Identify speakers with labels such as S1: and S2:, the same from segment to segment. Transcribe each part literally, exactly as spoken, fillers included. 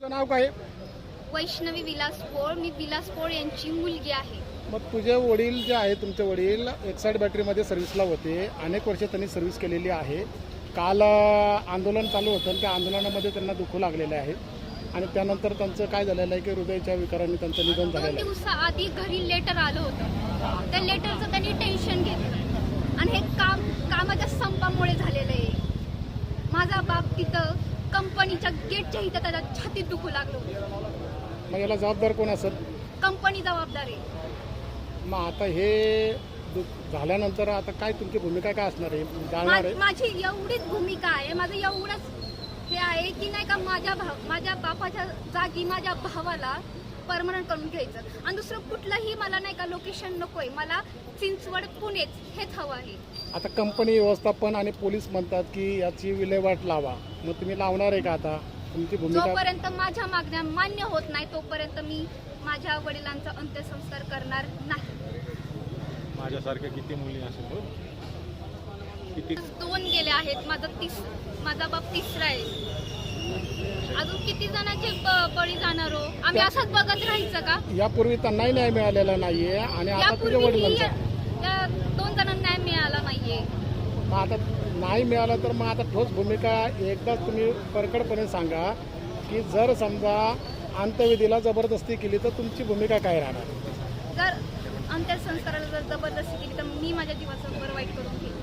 S1: तुझं नाव काय?
S2: वैष्णवी विलास पोळ. मी विलास पोळ यांची मुलगी आहे.
S1: मग तुझे वडील जे आहे, तुमचे वडील एक्साईड बॅटरीमध्ये सर्व्हिसला होते, अनेक वर्ष त्यांनी सर्व्हिस केलेली आहे. काल आंदोलन चालू होतं, त्या आंदोलनामध्ये त्यांना दुखू लागलेले आहे आणि त्यानंतर त्यांचं काय झालेलं आहे की हृदयाच्या विकाराने त्यांचं निधन
S2: दोन
S1: झालेलं आहे.
S2: दिवसाआधी घरी लेटर आलं होतं. त्या लेटरचं त्यांनी टेन्शन घेतलं आणि हे काम कामाच्या संपामुळे झालेलं आहे. माझा बाप तिथं कंपनीच्या गेटच्या इथं त्याला छातीत दुखू लागलो.
S1: मग याला जबाबदार कोण असेल?
S2: कंपनी जबाबदार आहे.
S1: मग आता हे दु- झाल्यानंतर आता काय तुमची भूमिका काय असणार आहे? जाणार आहे?
S2: मा- माझी एवढीच भूमिका आहे, माझं एवढंच हे आहे की नाही का माझ्या भाव माझ्या बापाच्या जागी माझ्या भावाला परमनंट करून घ्यायचं आणि दुसरं कुठलंही मला नाही का लोकेशन नकोय. मला चिंचवड पुणेच हेच हवं आहे.
S1: आता कंपनी व्यवस्थापन आणि पोलीस म्हणतात की याची विल्हेवाट लावा, मग तुम्ही लावणार आहे का? आता तुमची भूमिका
S2: जोपर्यंत माझ्या मागण्या मान्य होत नाही तोपर्यंत मी माझ्या वडिलांचा अंत्यसंस्कार करणार नाही.
S3: माझ्यासारख्या किती मुली असेल हो? किती
S2: दोन गेले आहेत, माझा तीस माझा बाप तिसरा आहे. अजून किती जणांचे ब- बळी जाणार हो? आम्ही असंच बघत राहायचं का?
S1: यापूर्वी त्यांनाही न्याय मिळालेला नाहीये आणि आता तुझ्या
S2: यापूर्वी
S1: वडिलांचा
S2: त्या दोन जणांना न्याय मिळाला नाहीये.
S1: मग आता नाही मिळालं तर मग आता ठोस भूमिका एकदाच तुम्ही परकडपणे सांगा की जर समजा अंत्यविधीला जबरदस्ती केली तर तुमची भूमिका काय राहणार?
S2: जर अंत्यसंस्काराला जर जबरदस्ती केली तर मी माझ्या जीवाचं बरं वाईट करून घेईन.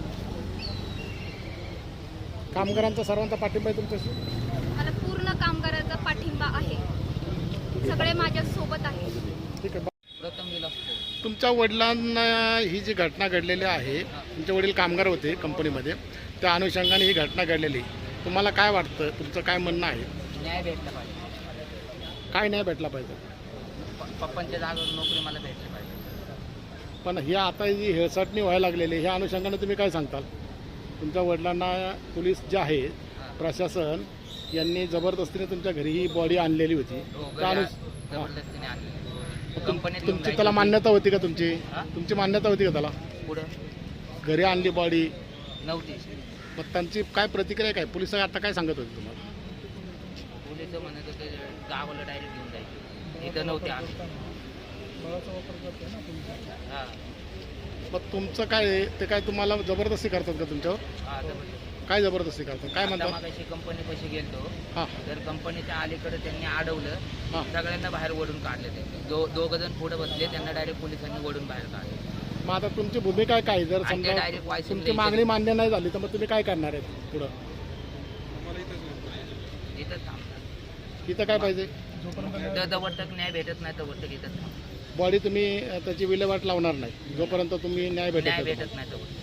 S1: कामगारांचा सर्वांचा पाठिंबा आहे तुमच्याशी?
S2: मला पूर्ण कामगारांचा पाठिंबा आहे. सगळे माझ्या सोबत आहे.
S1: ठीक आहे.
S4: प्रथम विलास पोळ.
S1: तुमच्या वडिलांना ही जी घटना घडलेली आहे, तुमचे वडील कामगार होते कंपनीमध्ये, त्या अनुषंगाने ही घटना घडलेली, तुम्हाला काय वाटतं? तुमचं काय म्हणणं आहे?
S4: न्याय भेटला पाहिजे.
S1: काय नाही भेटला पाहिजे?
S4: प- पप्पांच्या जागेवर नोकरी मला भेटली पाहिजे.
S1: पण ही आता जी हेळसाटणी व्हायला लागलेली, ह्या अनुषंगाने तुम्ही काय सांगताल? तुमच्या वडिलांना पोलीस जे आहे, प्रशासन यांनी जबरदस्तीने तुमच्या घरी ही बॉडी आणलेली होती,
S4: हो,
S1: त्या
S4: घरी
S1: अनु- हां.
S4: जबरदस्तीने आणली.
S1: तुम-
S4: कंपनीत घेऊन
S1: तुमची
S4: जायची
S1: त्याला
S4: होती.
S1: मान्यता होती का? तुमची
S4: हां?
S1: तुमची मान्यता होती का त्याला?
S4: पुढं
S1: घरी आणली बॉडी,
S4: नव्हती.
S1: मग त्यांची काय प्रतिक्रिया काय? पोलिस आता काय सांगत होते तुम्हाला?
S4: पोलिस म्हणत होते गावाला डायरेक्ट घेऊन जायचे, इथं नव्हते आम्ही. हां
S1: मग तुमचं काय आहे? ते काय तुम्हाला जबरदस्ती करतात का तुमच्यावर?
S4: हां जबरदस्ती.
S1: काय जबरदस्ती करतात? काय
S4: आता
S1: म्हणतात?
S4: मागाशी कंपनी पैसे गेलतो,
S1: हां
S4: तर कंपनीच्या अलीकडे त्यांनी अडवलं,
S1: हां.
S4: सगळ्यांना बाहेर ओढून काढले. त्यांनी दो दोघ जण पुढे बसले, त्यांना डायरेक्ट पोलिसांनी ओढून बाहेर काढले.
S1: मग आता तुमची भूमिका काय? जर
S4: आणि ते
S1: समजा
S4: direct वायसून
S1: तुमची
S4: द्यायचे.
S1: मागणी मान्य नाही झाली तर मग तुम्ही काय करणार आहे पुढं?
S4: इथंच थांबतात.
S1: इथं काय पाहिजे?
S4: जवळ तक न्याय भेटत नाही तोवर तक इथंच थांबतात.
S1: बॉडी तुम्ही अ, त्याची विल्हेवाट लावणार नाही जोपर्यंत तुम्ही न्याय भेटत
S4: न्याय
S1: नाही.
S4: भेटत नाही तोवर.